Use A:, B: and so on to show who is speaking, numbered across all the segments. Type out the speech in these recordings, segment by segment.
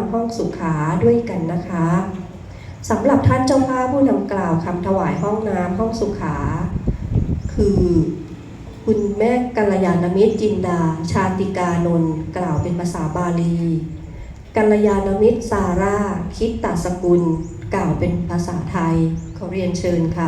A: ำห้องสุขาด้วยกันนะคะสำหรับท่านเจ้าภาพผู้นำกล่าวคำถวายห้องน้ำห้องสุขาคือคุณแม่กัลยาณมิตรจินดาชาติกานนท์กล่าวเป็นภาษาบาลีกัลยาณมิตรซาร่าคิดตสกุลกล่าวเป็นภาษาไทยขอเรียนเชิญค่ะ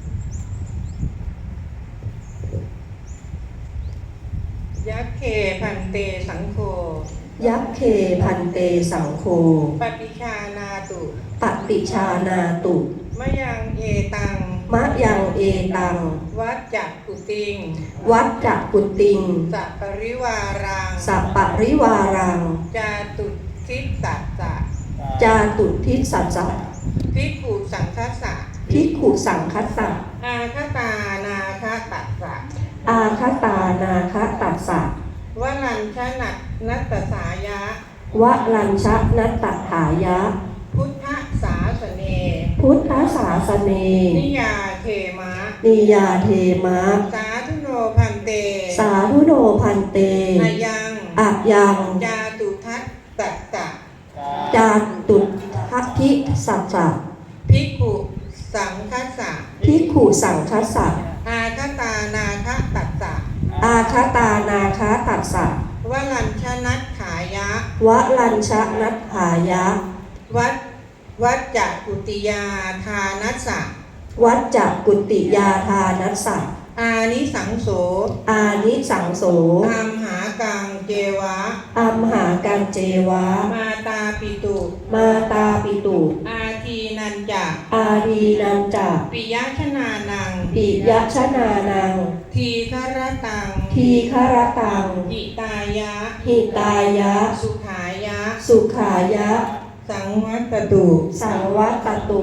B: ยักเคพันเตสังโฆ
A: ยักเคพันเตสังโฆ
B: ปฏิชานาตุ
A: ปฏิชานาตุ
B: มะยังเอตัง
A: มะยังเอตัง
B: วัจจักกุติง
A: วัจจักกุติง
B: สัปปริวารัง
A: สัปปริวารัง
B: จาตุทิสัสสะ
A: จาตุทิสัสสะ
B: ภิกขุสังคัสสะ
A: ภิกขุสังคัสสะ
B: อาคตานาคตัสสะ
A: อาคตานาคตัสสะ
B: วลัญชนะนัตตสายะ
A: วลัญชนัตตถายะ
B: พุทธศาสเน
A: พุทธศาสเน
B: นิยาเทมะ
A: นิยาเทมะ
B: สาธุโนพันเต
A: สาธุโนพันเต
B: อายัง
A: อะยัง
B: จาตุทัสสัจจะ
A: จาตุทัทิสัจจะ
B: ภิกขุสังคัสสะ
A: ภิกขุสังคัสสะ
B: อาคตานาคตัสสะ
A: อาคตานาคตัสสะ
B: วลัญชนัตถายะ
A: วลัญชนัตถายะ
B: วัจจักกุติยาทานัสสะ
A: วัจจักกุติยาทานัสสะ
B: อานิสังโส
A: อานิสังโส
B: อัมหากังเจวะ
A: อัมหากังเจวะ
B: มาตาปิตุ
A: มาตาปิตุ
B: อาทีนันจะ
A: อาทีนันจะ
B: ปิยชนานัง
A: ปิยชนานัง
B: ทีฆรตัง
A: ทีฆรตัง
B: หิตายะ
A: หิตายะ
B: สุขายะ
A: สุขายะ
B: สังวัตตุ
A: สังวัตตุ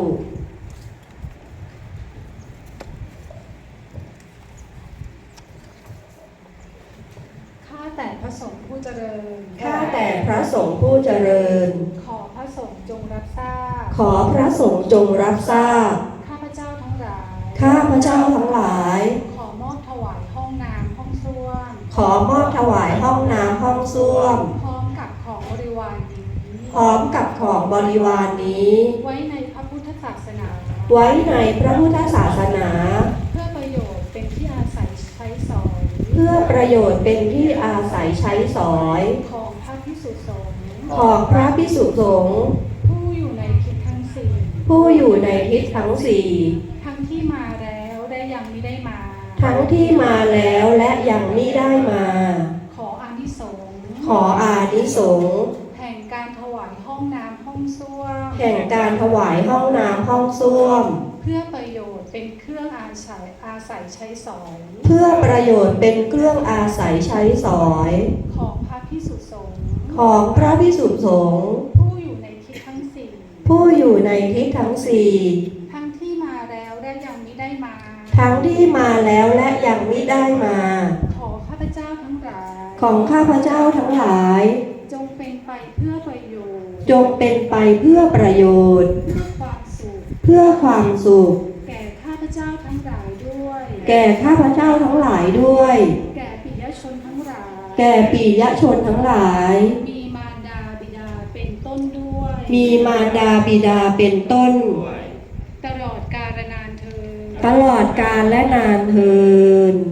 C: ข้าแต่พระสงฆ์ผู้เจริญ
A: ข้าแต่พระสงฆ์ผู้เจริญ
C: ขอพระสงฆ์จงรับทราบ
A: ขอพระสงฆ์จงรับทราบ
C: ข้าพเจ้าทั้งหลาย
A: ข้าพเจ้าทั้งหลาย
C: ขอมอบถวายห้องน้ำห้องส้วม
A: ขอมอบถวายห้องน้ำห้องส้วม
C: พร้อมกับของบริวารนี้
A: พร้อมกับของบริวารนี้
C: ไว้ในพระพุทธศาสนา
A: ไว้ในพระพุทธศาสนา
C: เพื่อประโยชน์เป็นที่อาศัยใช้สอย
A: เพื่อประโยชน์เป็นที่อาศัยใช้สอย
C: ของพระภิกษุสงฆ์
A: ของพระภิกษุสงฆ์
C: ผู้อยู่ในทิศทั้งสี่
A: ผู้อยู่ในทิศทั้งสี่
C: ทั้งที่มาแล้วและยังไม่ได้มา
A: ทั้งที่มาแล้วและยังไม่ได้มา
C: ขออานิสงส์
A: ขออานิสงส์
C: แห่งการถวายห้องน้ำห้องส้วม
A: แห่งการถวายห้องน้ำห้องส้วม
C: เพื่อประโยชน์เป็นเครื่องอาศัยใช้สอย
A: เพื่อประโยชน์เป็นเครื่องอาศัยใช้สอย
C: ของพระภิกษุสงฆ์
A: ของพระภิกษุสงฆ์
C: ผู้อยู่ในทิศทั้งสี่
A: ผู้อยู่ในทิศทั้งสี่
C: ทั้งที่มาแล้วและยังไม่ได้มา
A: ทั้งที่มาแล้วและยังไม่ได้มา
C: ขอข้าพเจ้าทั้งหลาย
A: ของข้าพเจ้าทั้งหลาย
C: จงเป็นไปเพื่อประโยชน์
A: จงเป็นไปเพื่อประโยชน์
C: เพื่อความสุข
A: เพื่อความสุข
C: แก่ข้าพเจ้าทั้งหลายด้วย
A: แก่ข้าพเจ้าทั้งหลายด้วย
C: แก่ปิยชนทั้งหลาย
A: แก่ปิยชนทั้งหลาย
C: มีมารดาบิดาเป็นต้นด้วย
A: มีมารดาบิดาเป็นต้น
C: ตลอดกาลนานเทอญ
A: ตลอดกาลและนานเทอญ